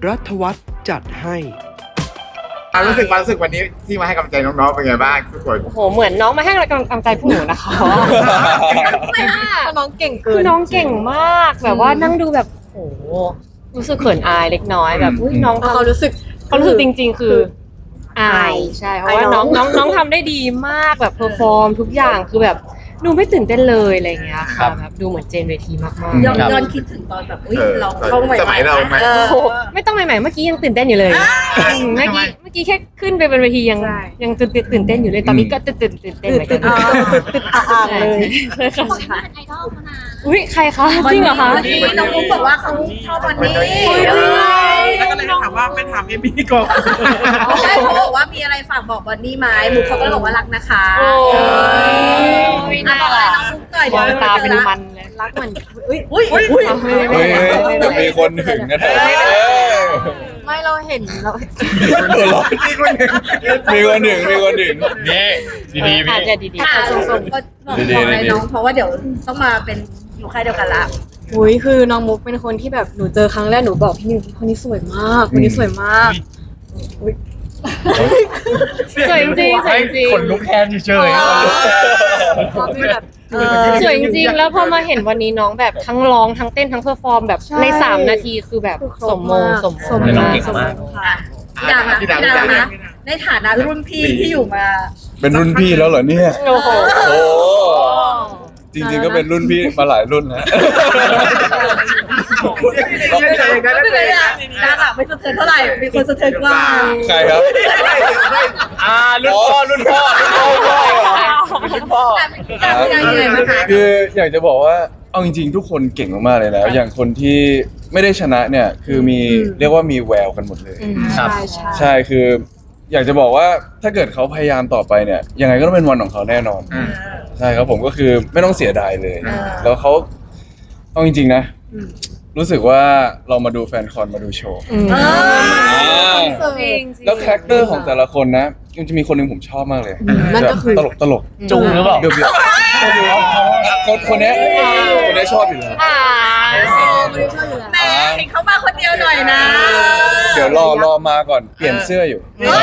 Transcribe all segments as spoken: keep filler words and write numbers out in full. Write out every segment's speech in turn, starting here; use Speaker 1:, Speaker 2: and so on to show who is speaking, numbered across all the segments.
Speaker 1: รัฐวัฒน์จัดให้
Speaker 2: ความรู้สึกความรู้สึกวันนี้ที่มาให้กำลังใจน้องๆเป็นไงบ้างทุกคน
Speaker 3: โอ้โหเหมือนน้องมาให้กำลังใจพวกหนูนะคะไม่น่า
Speaker 4: น้องเก่งเกิ
Speaker 3: คื
Speaker 4: น
Speaker 3: อน้องเก่งมากแบบว่านั่งดูแบบโอ้โหรู้สึกเขินอายเล็กน้อยแบบอุ้ยน้อง
Speaker 4: เขารู้สึก
Speaker 3: เขารู้สึกจริง ๆ คืออายใช่เพราะว่าน้องน้องน้องทำได้ดีมากแบบเพอร์ฟอร์มทุกอย่างคือแบบดูไม่ตื่นเต้นเลยอะไรอย่างเงี้ยค่ะแบบดูเหมือนเจนเวทีมากๆ
Speaker 5: ย้อนย้อนคิดถึงตอนแบบอุ้ย
Speaker 2: เออ
Speaker 5: เราเข้าใหม่
Speaker 2: สมัยเราไหม
Speaker 5: เออ
Speaker 3: โอ้โหไม่ต้องใหม่ๆเมื่อกี้ยังตื่นเต้นอยู่เลยอืมเมื่อกี้เมื่อกี้แค่ขึ้นไปบนเวทียังยังตื่นตื่นเต้นอยู่เลยตอนนี้ก็ตื่นตื่นตื่นเต้นเหมือนกัน
Speaker 4: ติดอ่างเลย
Speaker 5: บอกว่าเป็นไอดอลเขานะ
Speaker 3: อุ้ยใครคะจริงเหรอคะ
Speaker 5: วันนี้น้องมุกบอกว่าเขาชอบวันนี้
Speaker 6: แล้วก็เลยถามว่าไปถามเอมี่ก่อน
Speaker 5: ใช่เขาบอกว่ามีอะไรฝากบอกวันนี้ไหมมุกเขาก็เลยบอกว่ารักนะคะ
Speaker 3: โอ้ย
Speaker 5: อ่ะบอกอะไรน้องมุกหน่อย
Speaker 3: ม
Speaker 5: เดี๋ยว
Speaker 3: องตาเป็น
Speaker 5: เจอละ
Speaker 3: มันเลยรักมัน
Speaker 5: อุ้ยอุ้ยอุ้ย
Speaker 3: ไม่ไม่
Speaker 7: เฮ้ย
Speaker 3: ไม่
Speaker 7: เดี๋ยวมีคนหึงกันเถอะ
Speaker 4: ไม่เราเห็นเรา
Speaker 7: หัวเราะมีคนหึงมีคนหึงมีคนหึง
Speaker 8: นี่ดีๆ
Speaker 3: อาจ
Speaker 8: พี่
Speaker 3: จะดี
Speaker 5: ค่ะส่งๆก็บอกบอกอะไรน้องเพราะว่าเดี๋ยวต้องมาเป็นอยู่ค่ายเดียวกันละ
Speaker 4: อุ้ยคือน้องมุกเป็นคนที่แบบหนูเจอครั้งแรกหนูบอกพี่นิวคนนี้สวยมากคนนี้สวยมาก
Speaker 3: สวยจริงๆสวยจริง
Speaker 8: คนลุกแค่เฉย
Speaker 4: เขาเป็นแบบเออ
Speaker 3: สวยจริงๆแล้วพอมาเห็นวันนี้น้องแบบทั้งร้องทั้งเต้นทั้งเพอร์ฟอร์มแบบ
Speaker 4: ใช่
Speaker 3: ในสามนาทีคือแบบ
Speaker 4: คือครบ
Speaker 3: สมมง
Speaker 4: มาก
Speaker 3: สม
Speaker 4: สม
Speaker 3: มง
Speaker 4: มง
Speaker 3: มาก
Speaker 4: สมมงค่ะ
Speaker 5: พี่ดาวนะ
Speaker 2: พี่
Speaker 5: พี่
Speaker 2: ดาว
Speaker 5: ดาว
Speaker 2: พี่ดาว
Speaker 5: นะในฐานะรุ่นพี่ที่อยู่มา
Speaker 7: เป็นรุ่นพี่แล้วเหรอเนี่ย
Speaker 3: โอ้โห
Speaker 7: โอ้จริงๆก็เป็นรุ่นพี่มาหลายรุ่นแล้ว
Speaker 5: ไม่เป็นไรอะดาวอะไม่สะเทือนเท่าไหร่มีคนสะเทือนกว่า
Speaker 7: ใครครับ
Speaker 8: ๆอ่ารุ่นพ่อรุ่นพ่อรุ่นพ่อรุ่นพ่อ
Speaker 5: แต่พี่ดาวยังไงบ้างคะ
Speaker 7: คืออยากจะบอกว่าเอาจริงๆทุกคนเก่งมากๆเลยแล้ว อย่างคนที่ไม่ได้ชนะเนี่ยคือมีเรียกว่ามีแววกันหมดเลย
Speaker 8: ครับ
Speaker 4: ใช่ใช่
Speaker 7: ใช่คือ อยากจะบอกว่าถ้าเกิดเขาพยายามต่อไปเนี่ยยังไงก็ต้องเป็นวันของเขาแน่นอน ใช่ครับผมก็คือไม่ต้องเสียดายเลย แล้วเขาเอาจริงๆนะ รู้สึกว่าเรามาดูแฟนคอนมาดูโชว์
Speaker 3: อืม
Speaker 5: เออ
Speaker 4: จริง
Speaker 7: แล้วคาแรคเตอร์ของแต่ละคนนะมันจะมีคนหนึ่งผมชอบมากเลย
Speaker 4: นั่นก็คือ
Speaker 7: ตลกตลก
Speaker 8: จุงหรือเปล่า
Speaker 7: เบียวเบียวคนคนเนี้ยคนเนี้ยชอบอยู่แล้ว
Speaker 3: อ่า
Speaker 5: แหมเห็นเขามาคนเดียวหน่อยนะ
Speaker 7: เดี๋ยวรอรอมาก่อนเปลี่ยนเสื้ออยู่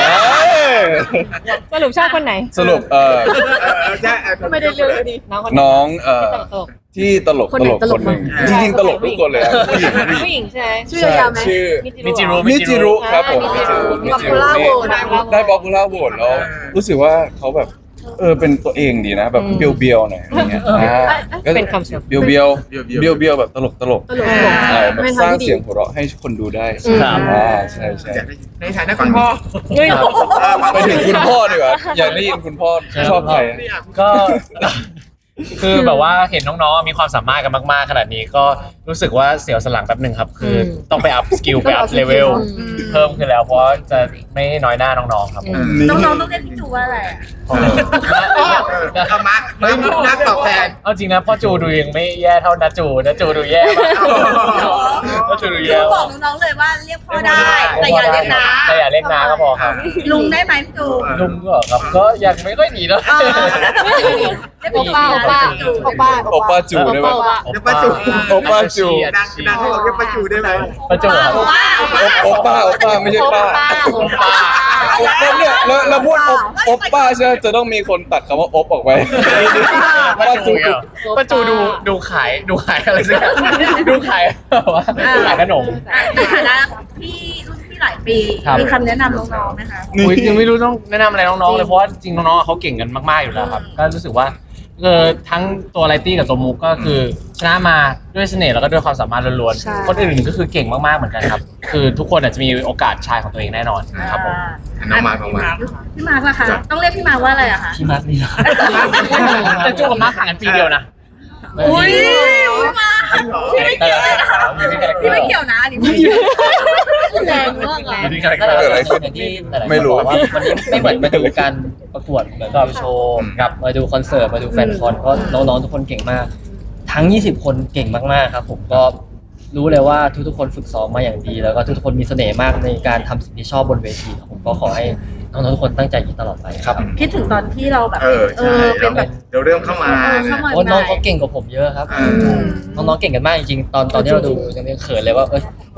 Speaker 3: สรุปชอบคนไหน
Speaker 7: สรุปเอ่อ
Speaker 4: ไม่ได้เลือกดี
Speaker 3: น้องคน
Speaker 7: น้องเอ่อ
Speaker 3: ตลก
Speaker 7: ที่ตลก
Speaker 4: คน
Speaker 7: ต
Speaker 4: ไหน
Speaker 7: ลก
Speaker 4: ตล
Speaker 7: ค
Speaker 4: ก
Speaker 7: นหนึ่ง
Speaker 3: บ้าง
Speaker 7: จริงๆตลกทุกคนเลยอะผู้หญิงผู้หญิง
Speaker 3: ผู้หญิงใช่ไหม
Speaker 4: ชื่อยาวไหม
Speaker 7: ชื่อ
Speaker 8: มิจิรุ
Speaker 7: มิจิรุครับผม
Speaker 3: มิ
Speaker 7: มิ
Speaker 3: จิ
Speaker 7: จิ
Speaker 3: รุ
Speaker 7: รุมิจิรุ
Speaker 4: Popular
Speaker 7: นี่
Speaker 4: Vote
Speaker 7: ได้ป๊อปปูล่าโหวตแล้วรู้สึกว่าเขาแบบเออเป็นตัวเองดีนะแบบเบียวๆหน่อยอะไรเงี้ยอ่าก็
Speaker 3: เป็นคำชม
Speaker 7: เบียวเบียวเบียวเบียวๆแบบตลกตลก
Speaker 4: ตลก
Speaker 7: ใช่แบบ
Speaker 4: ไม่
Speaker 7: สร้าง
Speaker 4: ทำที่ดี
Speaker 7: เสียงหัวเราะให้คนดูได้
Speaker 8: ครับ
Speaker 7: อ่าใช่ใช่
Speaker 2: ในฐานะคุณพ่อ
Speaker 3: เฮ้ย
Speaker 7: ไปถึงคุณพ่อดีกว่าอยากได้ยินคุณพ่อชอบใครอะ
Speaker 8: ก็ คือแบบว่าเห็นน้องๆมีความสามารถกันมากๆขนาดนี้ก็รู้สึกว่าเสียวสนหลังแป๊บหนึ่งครับ คือต้องไปอัพสกิลไปอัพเลเวลเพิ่มขึ้นแล้วเพราะจะไม่น้อยหน้าน้องๆครับ
Speaker 5: น้องๆต้องเรียกพี่จูว่าอะไรอะ
Speaker 2: เอามาเฮ้ยนักตอบแทน
Speaker 8: เอาจริงนะพ่อจูดูยังไม่แย่เท่านาจูนาจูดูแย่มากนาจูดู
Speaker 5: จู
Speaker 8: แย่
Speaker 5: บอ
Speaker 8: มาก
Speaker 5: กน้องๆเลยว่าเรียกพ่อได้ แต่อย่าเรียกนะ
Speaker 8: แต่อย่าเรียกนาก็พอครับ
Speaker 5: ลุงได้ไหมพี่จู
Speaker 8: ลุงก็ครับก็ยังไม่ค่อยหนีนะ
Speaker 5: เรียก
Speaker 3: โอป้าโอป้าโอป้า
Speaker 7: โอป้าจูได้ไหม
Speaker 2: เดี๋ยวป้าจู
Speaker 7: โอป้าจู
Speaker 2: ดังดังเขาบอกเรียกป้าจูได้ไหม
Speaker 8: ประจูครับ
Speaker 5: ว่า
Speaker 7: โอป้าโอป้าไม่ใช่ป้า
Speaker 3: โอป้า
Speaker 7: แล้วเนี่ยแล้วแล้วพูดอบอบป้าใช่ไหมจะต้องมีคนตัดคำว่าอบออกไป
Speaker 8: ป้าจูเหรอป้าจูดูดูขายดูขายอะไรสักอย่างดูขายแบบว่าขายขนม
Speaker 5: ในฐานะพี่รุ่นพี่หลายปี
Speaker 8: ครับ
Speaker 5: มีคำแนะนำน้องๆไหมคะ
Speaker 8: อุ๊ยยังไม่รู้ต้องแนะนำอะไรน้องๆเลยเพราะว่าจริงน้องๆเขาเก่งกันมากๆอยู่แล้วครับก็รู้สึกว่าเออทั้งตัวไลตี้กับตัวมุกก็คือชนะมาด้วยเสน่ห์แล้วก็ด้วยความสามารถล้วน
Speaker 4: ใช่
Speaker 8: ๆคนอื่นก็คือเก่งมากๆเหมือนกันครับคือทุกคนอาจจะมีโอกาสชายของตัวเองแน่นอนครับผม
Speaker 2: น้องมาน้องมา
Speaker 5: พี่มาร์คล่ะคะ ต้องเรียกพี่มาร์คว่าอะไรอะคะ
Speaker 8: พี่มาร์คนี่นะแต่จูกับมาร์คห่างกันปีเดียวนะ
Speaker 5: อุ้ยพี่มาร์คพี่ไม่เกี่ยวเลยนะคะพี่ไม่เกี่ยวนะอันนี้ไม่เกี่ยวแรงมากเลย
Speaker 8: นี่คาแรคเตอร์
Speaker 7: เกิดอะไรขึ้น
Speaker 9: อย่างที่หลายๆคน
Speaker 7: ไม่รู้
Speaker 9: บอกว่าวันนี้ไม่เหมือนมาดูการประกวดเหมือนกับโชว์กับมาดูคอนเสิร์ตมาดูแฟนคอนก็น้องๆทุกคนเก่งมาก ทั้งยี่สิบคนเก่งมากๆครับผมก็รู้เลยว่าทุกๆคนฝึกซ้อมมาอย่างดี แล้วก็ทุกๆคนมีเสน่ห์มากในการทำสิ่งที่ชอบบนเวทีครับผมก็ขอให้น้องๆทุกคนตั้งใจอย่างนี้ตลอดไปครับ
Speaker 5: คิดถึงตอนที่เราแบบ
Speaker 2: เออ
Speaker 5: เอ
Speaker 2: ใช่
Speaker 5: อเป็นแบบ
Speaker 2: เดี๋ยวเริ่มเข้ามา
Speaker 5: เออเข้ามา
Speaker 9: โอ้น้องเขาเก่งกว่าผมเยอะครับ
Speaker 2: อ่า
Speaker 9: น้องๆเก่งกันมากจริงๆตอนตอนที่เราดูยังเขินเลยว่าเอ้ยต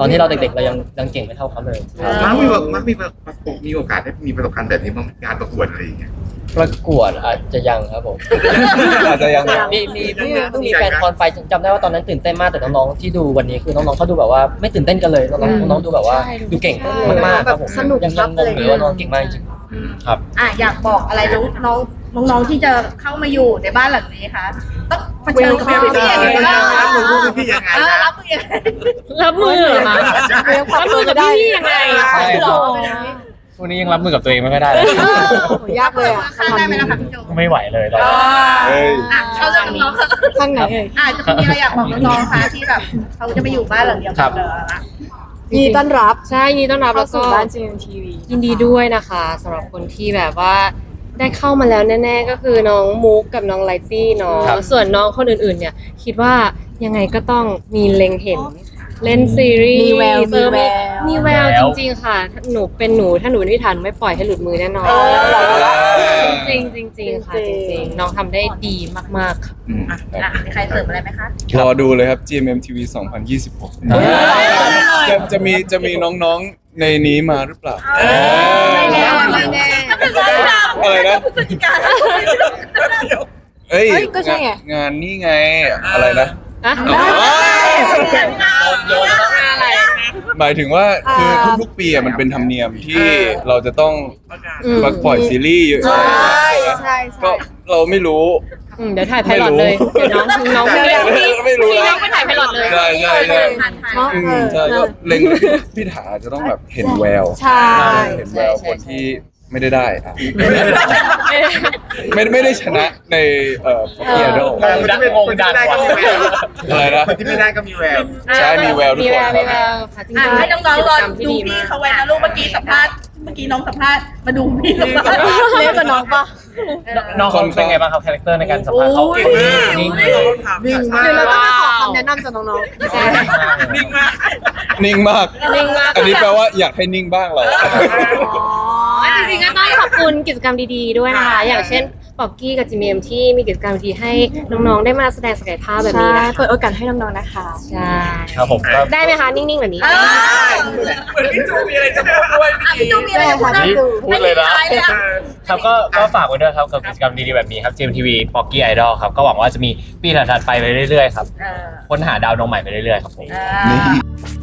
Speaker 9: ตอนที่เราเด็กๆเรายังยังเก่งไม่เท่าเขาเลยครับ
Speaker 2: มาร์คมีแบบมาร์คมีแบบมีโอกาสได้มีประสบการณ์แบบนี้บ้างไหมงานประกวดอะไรอย่างเงี้ย
Speaker 9: ประกวดอาจจะยังครับผม
Speaker 7: อาจจะยัง
Speaker 9: มีมีเพิ่งเพิ่งมีแฟนคอนไฟจำได้ว่าตอนนั้นตื่นเต้นมากแต่น้องๆที่ดูวันนี้คือน้องๆเขาดูแบบว่าไม่ตื่นเต้นกันเลยน้องๆน้องๆดูแบบว่าดูเก่งมากๆครับผม
Speaker 4: สนุก
Speaker 9: ยัง
Speaker 4: ครั
Speaker 9: ยั
Speaker 4: บ
Speaker 9: งงงอยู่ว่าน้องเก่งมากจริง
Speaker 5: อ่ะอยากบอกอะไรน้องน้องน้องๆที่จะเข้ามาอยู่ในบ้านหลังนี้คะต้องเผชิญกับพี่ๆยังไงบ้าง
Speaker 2: รับมือพวกพี่ยังไง
Speaker 5: เออ
Speaker 2: นะ
Speaker 5: รับมือยังไง
Speaker 3: รับมือเหรอคะรับมือกับพี่ๆยังไง
Speaker 9: ใช่ครับ
Speaker 8: วันนี้ยังรับมือกับตัวเองไม่ค่อยได้เลย
Speaker 4: ยากเลยอ่ะ
Speaker 5: ข้างได้ไหมล่ะคะพี่โจ
Speaker 8: ไม่ไหวเลยตอน
Speaker 5: อ่
Speaker 8: นี้
Speaker 7: เฮ้ย
Speaker 5: ะเข้าเรื่องน้องๆ
Speaker 4: ข้างไหนเอ่ย
Speaker 5: อ่ะจะมีอะไรอยากบอกน้องๆคะที่แบบเขาจะไปอยู่บ้านหลังเดียวกันเลยอะ
Speaker 4: ยินดีต้อนรับ
Speaker 3: ใช่ยินดีต้อนรับ
Speaker 4: เข้า
Speaker 3: แล้วก็
Speaker 4: สู่บ้าน จี เอ็ม ที วี
Speaker 3: ยินดีด้วยนะคะสำหรับคนที่แบบว่าได้เข้ามาแล้วแน่ๆก็คือน้องมุกกับน้องไลตี้เนาะ
Speaker 8: ครับ
Speaker 3: ส่วนน้องคนอื่นๆเนี่ยคิดว่ายังไงก็ต้องมีเล็งเห็นเล่นซีรีส์
Speaker 4: มีแวว
Speaker 3: เออ
Speaker 4: มีแวว
Speaker 3: มีแววจริงๆค่ะถ้าหนูเป็นหนูถ้าหนูเป็นพี่ทันไม่ปล่อยให้หลุดมือแน่นอนจริงๆจริงๆค่ะจริงๆน้องทำได้ดีมากๆค่ะ
Speaker 7: อืม
Speaker 5: อ่ะมีใครเสริมอะไรไหมคะ
Speaker 7: รอดูเลยครับ จี เอ็ม เอ็ม ที วี สองพันยี่สิบหก จะจะมีจะมีน้องๆในนี้มาหรือเปล่า
Speaker 5: ไม่แน่ไม่แน่
Speaker 7: อะไรนะ
Speaker 5: พฤศจิกา
Speaker 7: เอ้ย
Speaker 4: เอ้ยก็ใช่ไง
Speaker 7: งานงานนี่ไงอะไรนะ
Speaker 3: อะ
Speaker 5: อะไร
Speaker 7: หมายถึงว่าคือ
Speaker 4: อ่า
Speaker 7: ทุกๆปีอะมันเป็นธรรมเนียมที่เราจะต้อง
Speaker 3: อืม
Speaker 7: มาปล่อยซีรีส์เยอะ
Speaker 4: ใช่
Speaker 7: ใช่
Speaker 4: ใช่
Speaker 7: ก็
Speaker 4: ใช่
Speaker 7: เราไม่รู้
Speaker 3: อืมเดี๋ยวถ่ายไพลอตเลยเดี๋ยวน้องน้อง
Speaker 7: ไม่
Speaker 3: ไม่
Speaker 7: รู้
Speaker 3: พี่
Speaker 7: ไม่รู้
Speaker 3: พี่
Speaker 7: นะ
Speaker 3: น้องไปถ่ายไพลอตเลย
Speaker 7: ใช่ใช่ใช่
Speaker 5: ผ่านผ่าน
Speaker 4: เนาะ
Speaker 7: อืมใช่ก็เล็งพี่ถาจะต้องแบบเห็นแวว
Speaker 4: ใช่
Speaker 7: เห็นแววคนที่ไม่ได้ได้อะไม่ไม่ได้ชนะในเอ่อพวกเกียร์โด
Speaker 2: คนที่ไม่คนที่ไม่ได้ก็มีแวว
Speaker 7: อะไรนะ
Speaker 2: คนที่ไม่ได้ก็มีแวว
Speaker 7: ใช่มีแววทุก
Speaker 3: มี
Speaker 7: ค
Speaker 3: แวน วมีแววค่ะจริง
Speaker 5: อ่ะ
Speaker 3: ๆ
Speaker 5: ให้น้องๆรอ
Speaker 3: กิจกรรมที่
Speaker 5: ดู
Speaker 3: ดี
Speaker 5: พี่
Speaker 3: มาก
Speaker 5: เขาไว้นะลูกเมื่อกี้สัมภาษณ์เมื่อกี้น้องสัมภาษณ์มาดูพี่สัมภาษณ์
Speaker 4: เล็กกว่าน้องปะ
Speaker 8: น้องเขาเป็นไงบ้างครับคาแรคเตอร์ในการสัมภาษณ์เขา
Speaker 5: โอ้ย
Speaker 8: นิ่ง
Speaker 2: นิ่งมาก
Speaker 4: หรือเราต้องไปขอคำแนะนำจากน้อง
Speaker 3: ใช่
Speaker 6: นิ่งมาก
Speaker 7: นิ่งมาก
Speaker 3: นิ่งมาก
Speaker 7: อันนี้แปลว่าอยากให้นิ่งบ้างเหรอ
Speaker 3: อ๋อจริงๆก็ต้องขอบคุณกิจกรรมดีๆด้วยนะคะอย่างเช่นปอกกี้กับจีเมมที่มีกิจกรรมดีให้น้องๆได้มาแสดงศักยภาพ
Speaker 4: ๆ
Speaker 3: แบบ
Speaker 4: ใช่
Speaker 3: นี้นะคะ
Speaker 4: เปิดโอกาสให้น้องๆนะคะ
Speaker 3: ใช่
Speaker 8: ครับผมก็
Speaker 3: ได้ไหมคะนิ่งๆแบบนี้
Speaker 5: เออ
Speaker 6: เหมือนพี่จูมีอะไรจะพูดด้วย
Speaker 5: อ่ะพี่จูมีอะไรจะพูดนะ
Speaker 8: นี่พูดเลยนะ
Speaker 5: ไม่มีท้ายเลยอ่ะ
Speaker 8: ครับก็ก็ฝากไว้ด้วยครับกับกิจกรรมดีๆแบบนี้ครับ จี เอ็ม ที วี Pocky Idol ครับก็หวังว่าจะมีปีถัดๆไปไปเรื่อยๆครับ
Speaker 5: เออ
Speaker 8: ค้นหาดาวดวงใหม่ไปเรื่อยๆครับผม
Speaker 5: เออ